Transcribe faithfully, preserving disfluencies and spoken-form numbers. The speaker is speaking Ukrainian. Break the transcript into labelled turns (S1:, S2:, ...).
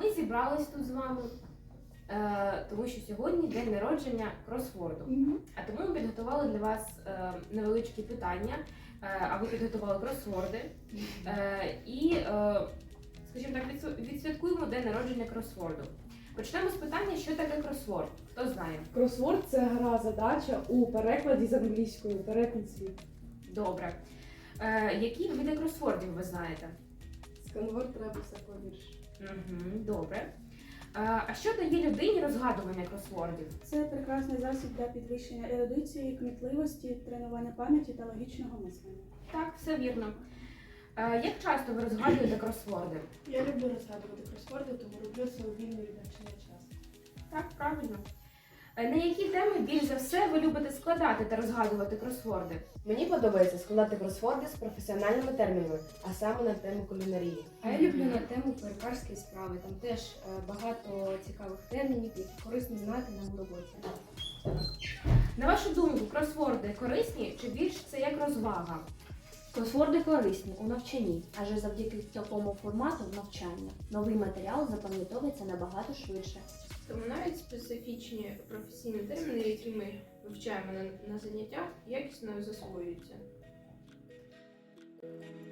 S1: Ми зібрались тут з вами, е, тому що сьогодні день народження кросворду.
S2: Мгм.
S1: А тому ми підготували для вас е, невеличкі питання, е, а ви підготували кросворди. Е, і, е, скажімо так, відсв- відсвяткуємо день народження кросворду. Почнемо з питання, що таке кросворд. Хто знає?
S2: Кросворд – це гра задача у перекладі з англійської перетин світ.
S1: Добре. Е, які види кросвордів ви знаєте?
S2: Сканворд Ребуса повірш.
S1: Угу, добре. Е, а що дає людині розгадування кросвордів?
S3: Це прекрасний засіб для підвищення ерудиції, кмітливості, тренування пам'яті та логічного мислення.
S1: Так, все вірно. Е, як часто ви розгадуєте кросворди?
S4: Я люблю розгадувати кросворди, тому роблю це у вільний від навчання час.
S1: Так, правильно. Е, на які теми більш за все ви любите складати та розгадувати кросворди?
S5: Мені подобається складати кросворди з професіональними термінами, а саме на тему кулінарії.
S6: А я люблю на тему перукарської справи. Там теж е, багато цікавих термінів, які корисно знати нам у роботі.
S1: На вашу думку, кросворди корисні чи більш це як розвага?
S7: Кросворди корисні у навчанні, адже завдяки такому формату навчання новий матеріал запам'ятовується набагато швидше.
S4: Тому навіть специфічні професійні терміни, які ми вивчаємо на, на заняттях, якісно засвоюються.